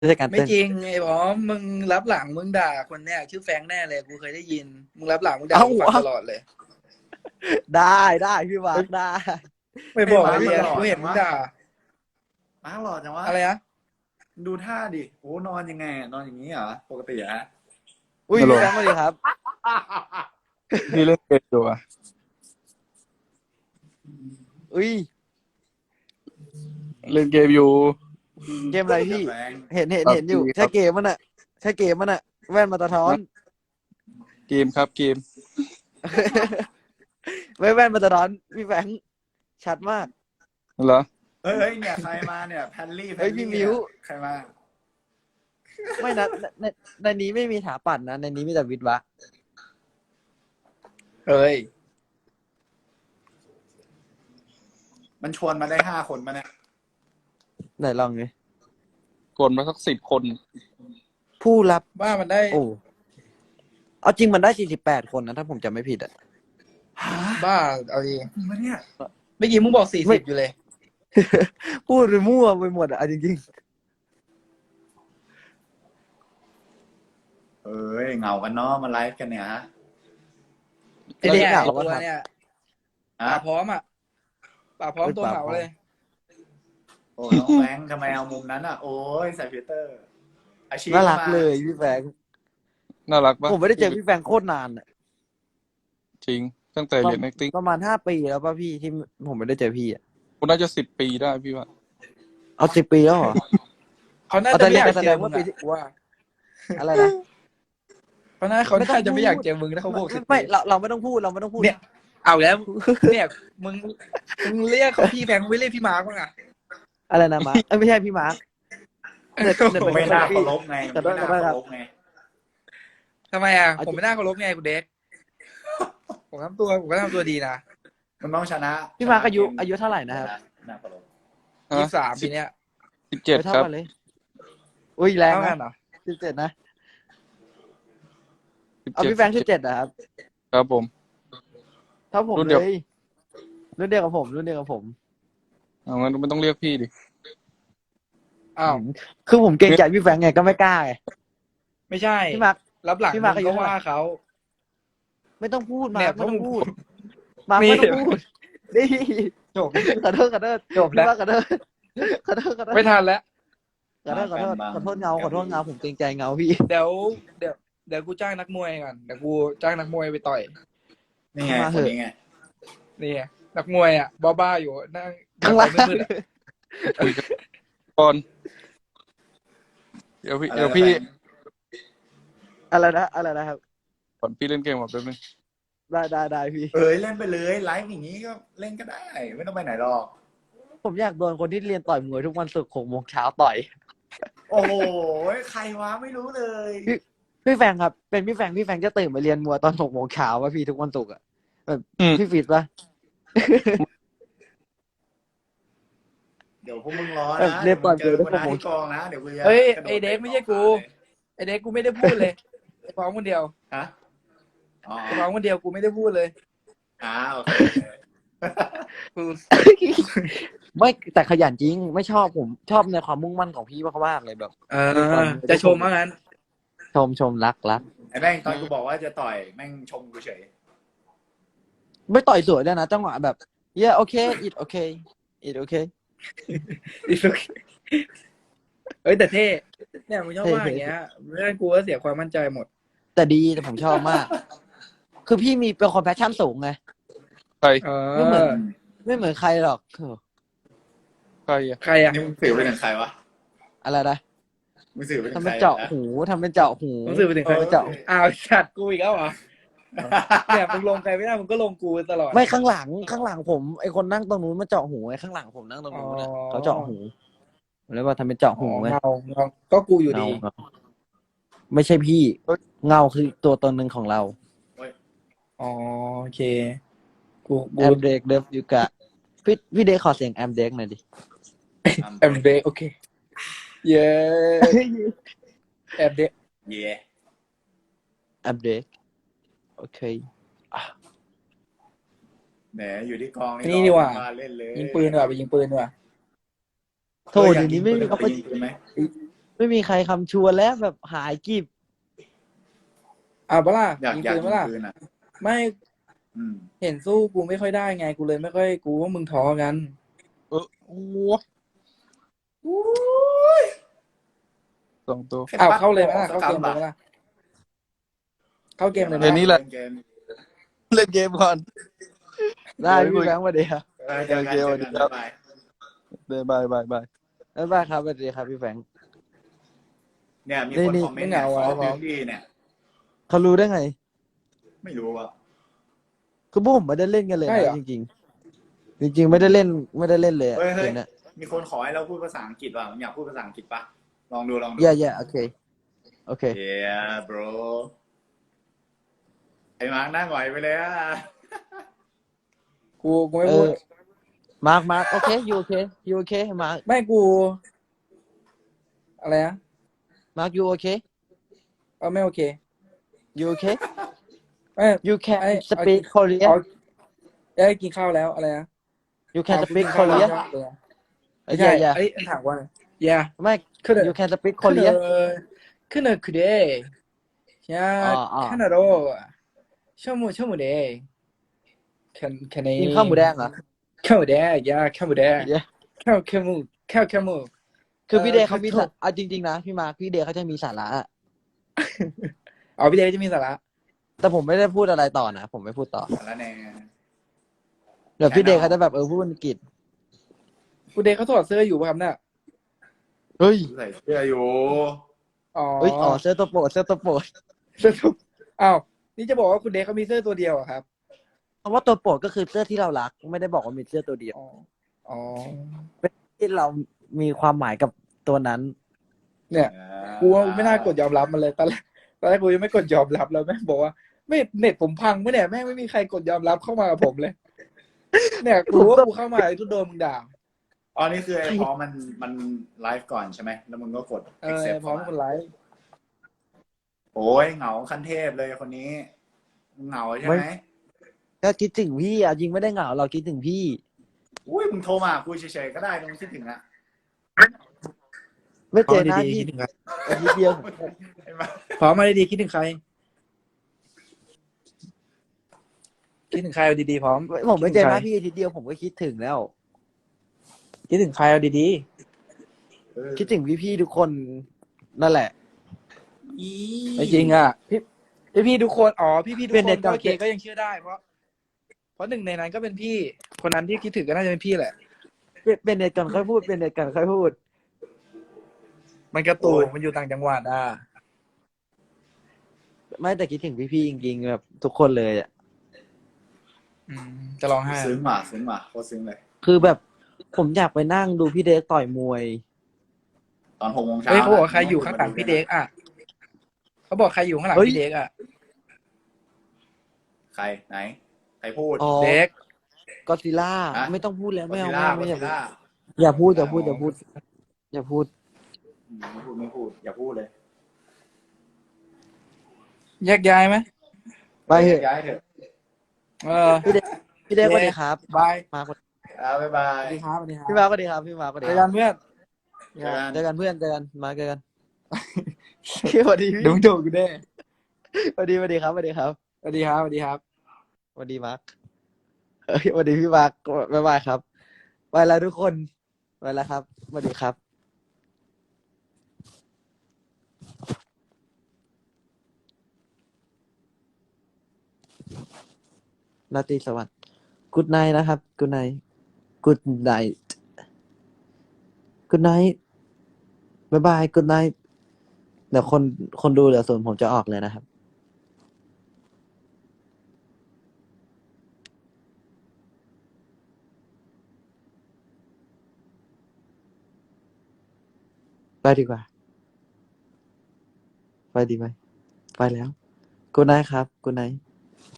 ไม่ใช่การไม่เต้นจริงไอ้บอมมึงรับหลังมึงด่าคนเนี้ยชื่อแฟรงค์แน่เลยกูเคยได้ยินมึงรับหลังมึงด่าเอ้ากูฟังตลอดเลยได้พี่มาเฮ้ยร์คได้ไม่บอกมาร์คมันไอ้เหี้ยกูหล่อจังวะเห็นมึงด่ามาร์คหล่อจังวะอะไรนะดูท่าดิโอ้นอนยังไงอะนอนอย่างนี้เหรอปกติอะอุ้ยฮัลโหลพี่แฟรงค์สวัสดีครับพี่เล่นเกมอยู่อ่ะอุ้ยเล่นเกมอยู่เกมอะไรพี่แฟรงค์เห็นอยู่ PUBG ใช่เกมมันอะใช่เกมมันอะแว่นมาตาท้อนเกมครับเกมแว่นมาตาท้อนพี่แฟรงค์ชัดมากเหรอเฮ้ยเนี่ยใครมาเนี่ยแพนลี่เฮ้ยพี่มิ้วใครมาไม่นะในนี้ไม่มีถาปัดนะในนี้มีแต่วิทย์วะเอ้ยมันชวนมาได้5 คนมาเนี่ยไหนลองดิกดมาสัก10 คนผู้รับว่ามันได้โอ้เอาจริงมันได้48 คนนะถ้าผมจำไม่ผิดอะฮะบ้าเอาดีจริงปะเนี่ยเมื่อกี้มึงบอกไม่ 40อยู่เลยพูดไปมั่วไปหมดอะเอาจริงเอ้ยเหงากันเนาะมาไลฟ์กันเนี่ยฮะไอ้เนี่ยเราจะไอ้เหงาตัวปะครับเนี่ยอ่ะป่าพร้อมอ่ะป่าพร้อมเฮ้ยตัวเหงาป่าพร้อมเลยโอ้น้องแฟรงค์ทำไมเอามุมนั้นอ่ะ โอ้ยใส่ฟิลเตอร์ อาชีพน่ารักมาเลยพี่แฟรงค์น่ารักปะผมไม่ได้เจอพี่แฟรงค์โคตรนานอะจริง ตั้งแต่เรียน acting ประมาณ5 ปีแล้วป่ะพี่ที่ผมไม่ได้เจอพี่อะคุณน่าจะ10 ปีได้พี่ว่าเอา10 ปีแล้วเหรอเขาน่าเอาจะแต่ไม่อยากแสเจดอง มึว่าง ปีที่อะว่าอะไรนะเพราะน่าเขาไม่ต้องน่าจะไม่อยากพูดเจอมึงถ้าเขาบอก10 ไม่ปีเราไม่ต้องพูดเราไม่ต้องพูดเนี่ย เอาแล้วเนี่ยมึงเรียกเขาพี่แฟรงค์ไม่เรียกพี่มาร์กบ้างอ่ะอะไรนะมาร์คไม่ใช่พี่มาร์คเน็ตไม่น่าเคารพไงขอโทไม่ษน่าขอโทษครัเคาบรพไงทำไมอ่ะเอาผมไม่น่าเคารพไงคุณเด็กผมก็ทำตัวดีนะมันต้องชนะพี่มาร์คอายุชนะเกมอายุเท่าไหร่นะครับน่าเคารพฮะ 23ปีเนี้ย 17 เท่าครับกันเลยอุ้ยแรงเท่ากันะนเหรอ 17นะเอาพี่แฟรงค์17นะครับครับผมเท่าผมรุ่นเลเดียวยรุ่นเดียวกับผมรุ่นเดียวกับผมเอางั้นไม่ต้องเรียกพี่ดิอ้าวคือผมเกรงใจพี่แฟรงค์ไงก็ไม่กล้าไงไม่ใช่พี่มาร์ครับหลังพี่มาร์คอายุก็ว่าเขาไม่ต้องพูดมาเนี่ร์ยคไม่ต้องผมพูดมาร์คนี่ไม่ต้องพูดนี่จบขอโทษขอโทษจบแล้วพี่มาร์คขอโทษขอโทษขอโทษไม่ทันแล้วขอโทษขอโทษขอโทษเงาขอโทษเงาผมเกรงใจเงาพี่เดี๋ยวเดี๋ยวกูจ้างนักมวยก่อนเดี๋ยวกูจ้างนักมวยไปต่อยนี่ไงมาคเถนอะนี้ไงนี่ไงนักมวยอ่ะบ้าๆอยู่นั่งข้างล่างมืดๆอะคุยกันก่อนเดี๋ยวพี่อะไรนะอะไรนะครับก่อนพี่เล่นเกมก่อนแป๊บนึงได้พี่เอ้ยเล่นไปเลยไลฟ์อย่างนี้ก็เล่นก็ได้ ไม่ต้องไปไหนหรอกผมอยากโดนคนที่เรียนต่อยมวยทุกวันศุกร์6 โมงเช้าต่อยโอ้โหใครวะไม่รู้เลยพี่แฟงครับเป็นพี่แฟงจะตื่นมาเรียนมวยตอน6 โมงเช้าป่ะพี่ทุกวันศุกร์อ่ะแบบอืมพี่ฟิตป่ะเดี๋ยวพวกมึงรอเออนะเรียนต่อยเดี๋ยวมึงเจอเดี๋ยวกูนะที่กองนะเดี๋ยวกูจะเฮ้ยกระโดดไอเด็กไม่ใช่กูเตะไอเด็กกูไม่ได้พูดเลยไอพร้อมคนเดียวฮะอ๋อไอพร้อมคนเดียวกูไม่ได้พูดเลยโอเคกูไม่แต่ขยันจริงไม่ชอบผมชอบในความมุ่งมั่นของพี่มากๆเลยแบบจะชมว่างั้นชมรักไอ้แม่งตอนกูบอกว่าจะต่อยแม่งชมกูเฉยไม่ต่อยสวยด้วยนะจังหวะแบบโอเคit okay it okay เอ้ยแต่เท่เนี่ยมึงชอบว่าอย่างเงี้ยเรื่องกูก็เสียความมั่นใจหมดแต่ดีแต่ผมชอบมาก คือพี่มีเป็นคนแพชชั่นสูงไงใครไม่เหมือน ไม่เหมือนใครหรอกใครอ่ะใครอ่ะนี่มึงสื่อไปถึงใครวะอะไรนะมึงสื่อไปถึทำงเป็ใคน รเจาะนะหูทำเป็นเจาะหูมึงสื่อไปถึงใครเจาะอ้าวชัดกูอีกแล้วเหรอเนี่ยมึงลงใครไม่ได้มึงก็ลงกูตลอดไม่ข้างหลังผมไอคนนั่งตรงนู้นมาเจาะหูไอข้างหลังผมนั่งตรงนู้นน่ะอ๋อเขาเจาะหูผมเลยว่าทำเป็นเจาะหูไงเงาก็กูอยู่ดีเงาไม่ใช่พี่ เงาคือตัวตนหนึ่งของเราอ๋อโอเค กูแอมเด็กเดฟยูกะพี่เด็กขอเสียงแอมเด็กหน่อยดิแอมเดโอเค เย้แอมเดเย่แอมเด็กโอเคแหมอยู่ที่กองนี่ดีกว่ามาเล่นเลยยิงปืนดีกว่าไปยิงปืนดีกว่าโทษเดี๋ยวนี้ไม่มีเขาเขายิงปืนไหมไม่มีใครคำชวนแล้วแบบหายกิบเอาปะล่ะอยากยิงอยากปืนยิปะงล่ะปืนอ่ะไม่อืมเห็นสู้กูไม่ค่อยได้ไงกูเลยไม่ค่อยกูว่ามึงท้อกันโอ้สองตัวอ้าวเข้าเลยไหมล่ะเข้าเกมเลยไหมล่ะเข้าเกมเลยไหมเดี๋ยวนี้แหละเกมเล่นเกมก่อนได้เดี๋ยวพี่คุยแบงค์สวัสดีครับเจอกันเจอกันครับบ๊ายบายบายบายบายบ๊ายบายครับสวัสดีครับพี่แบงค์เนี่ยมีนี่คนนี่คอมเมนต์เนี่ยไม่เหงาขออ่ะพื้นที่เนี่ยเขารู้ได้ไงไม่รู้อ่ะคือพวกผมไม่ได้เล่นกันเลยใช่เหรนะอจริงๆจริง ๆ ไม่ได้เล่นเลยอะเฮ้ยเกเฮ้ยมเนี้ยมีคนขอให้เราพูดภาษาอังกฤษว่ะมึงอยากพูดภาษาอังกฤษปะลองดูลองดู yeah โอเคโอเค yeah bro ไอ้มาร์คนั่งไหวไปเลยอ่ะกูไม่พูดมาร์คโอเคยูโอเคมาร์คไม่กู อะไรนะยูโอเคไม่โอเคยูโอเคไม่ you can ไอ้ speak Korean เอาได้กินข้าวแล้วอะไรนะ you can เอา speak กินข้าวแล้ว Korean ใช่ไหมไม่ใช่ yeah ไอ้ถามว่า yeah ไม่คือ you can speak Korean คือคือเดย์ยาอ๋อแค่นั้นโรชั่วโมงเดย์แค่นี้กินข้าวหมูแดงเหรอข้าวหมูแดงยาข้าวหมูแดง yeah ข้าวหมูคือพี่เดย์เขามีคือสาระจริงๆนะพี่มาร์คพี่เดย์เขาจะมีสาระอะอ๋อพี่เดย์จะมีสาระแต่ผมไม่ได้พูดอะไรต่อนะผมไม่พูดต่อแล้วแน่เดี๋ยวพี่เดย์เขาจะแบบพูดอังกฤษคุณเดย์เขาถอดเสื้ออยู่ป่ะครับเนี่ยเฮ้ยใส่เสื้ออยู่อ๋อเสื้อตัวโปรดเสื้อตัวโปรดเสื้อตัวอ้าวนี่จะบอกว่าคุณเดย์เขามีเสื้อตัวเดียวเหรอครับเพราะว่าตัวโปรดก็คือเสื้อที่เรารักไม่ได้บอกว่ามีเสื้อตัวเดียวอ๋อที่เรามีความหมายกับตัวนั้นเนี่ย กูว่าไม่น่ากดยอมรับมันเลยตอนแรกกูยังไม่กดยอมรับแล้วแม่งบอกว่าไม่เน็ตผมพังไม่เนี่ยแม่งไม่มีใครกดยอมรับเข้ามากับผมเลย เนี่ยกูรู้ว่ากูเข้ามาไอ้ทุกโดนมึงด่าอ๋อนี่คือไอ้พร้อมมันไลฟ์ก่อนใช่ไหมแล้วมึงก็กด accept พร้อมคนไลฟ์โอ้ยเหงาขั้นเทพเลยคนนี้มึงเหงาใช่ไหมก็คิดถึงพี่อ่ะจริงไม่ได้เหงาเราคิดถึงพี่อุ้ยมึงโทรมาคุยเฉยๆก็ได้มึงคิดถึงอ่ะไม่พร้เจอมอหน้าดีๆพี่คิดถึงใครอาทิตย์เดียวไอ้มาพร้อมมาดีๆคิดถึงใครคิดถึงใครเอาดีๆพร้อมผมไม่เจอหน้าพี่อาทิตย์เดียวผมก็คิดถึงแล้วคิดถึงใครเอาดีคิดถึงพี่ๆทุกคนนั่นแหละๆไม่จริงอ่ะพี่ทุกคนอ๋อพี่ทุกเป็นคเน็นตก็เก่าโอเคก็ยังเชื่อได้เพราะหนึ่งในนั้นก็เป็นพี่คนนั้นที่คิดถึงก็น่าจะเป็นพี่แหละเป็นเน็ตกันค่อยพูดเป็นเน็ตกันค่อยพูดมันกระตูมันอยู่ต่างจังหวัดอ่ะไม่แต่คิดถึงพี่ๆจริงๆแบบทุกคนเลยอ่ะจะร้องไห้ซึ้งว่ะโคตรซึ้งเลยคือแบบผมอยากไปนั่งดูพี่เด็กต่อยมวยตอน6 โมงเช้าเฮ้ยเขาบอกใครอยู่ข้างหลังพี่เด็กอ่ะเขาบอกใครอยู่ข้างหลังเฮ้ยพี่เด็กอ่ะใครไหนใครพูดอ๋อเด็กก็ซิล่าฮะไม่ต้องพูดแล้วไม่เอา Godzilla ไม่อยาก Godzilla อย่าพูดอย่าพูดอย่าพูดอย่าพูดไม่พูดอย่าพูดเลยแยกย้ายไหมไปเถอะย้ายเถอะพี่เด็กสวัสดีครับบายมาคนบ๊ายบาสยวัสดีครับสวัสดีครับพี่มาสวัสดีครับพี่มาสวัสดีเจอคกัรับนเพื่อนเจอกันเจอกันเพื่อนเจอกันมาเจอกันสวัสดีพี่เดี๋ยวมึงโดนกูแน่สวัสดีสวัสดีครับสวัสดีครับสวัสดีครับสวัสดีครับสวัสดีมาร์คสวัสดีพี่มาร์คบ๊ายบายครับไปแล้วทุกคนไปแล้วครับสวัสดีครับราตรีสวัสดิ์กูดไนท์นะครับกูดไนท์กูดไนท์กูดไนท์บ๊ายบายกูดไนท์เดี๋ยวคนดูเหลือ0ผมจะออกเลยนะครับไปดีกว่าไปดีไหมไปแล้วกูดไนท์ครับกูดไนท์